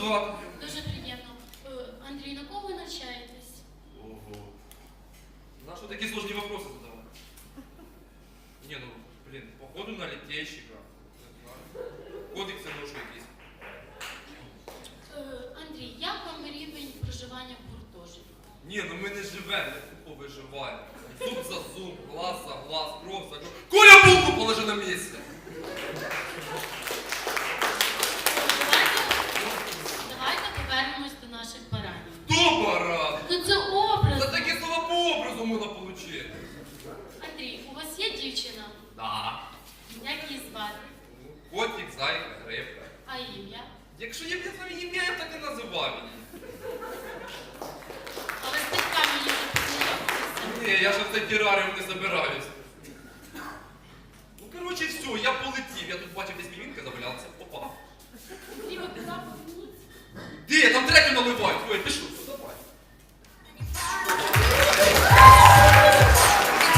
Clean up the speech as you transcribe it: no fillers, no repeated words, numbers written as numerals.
звати? Дуже приємно. Андрій, на кого ви навчаєтесь? Ого. На що такі сложні вопроси задавати? Не, ну, блін, походу на літейщика. Не знаю. Кодекси ношу якісь. Андрій, як вам рівень проживання в гуртожитку? Ні, ну ми не живемо, ми тупо виживаємо. Зуб за зуб, глаз за глаз, кров за кров. Коля, булку положи на місце! Давайте повернемось до наших баранів. Хто баран? Ну це образ. Та такі слова по образу можна отримати. Андрій, у вас є дівчина? Да. Як її звати? Котик, зайка, рибка. А ім'я? Якщо я б я сам ім'я, я б так і називав її. А ви з батьками її не познайомилися? Ні, я ж в цей тераріум не забираюсь. Ну, коротше, все, я полетів. Я тут бачив, десь мівінка завалявся.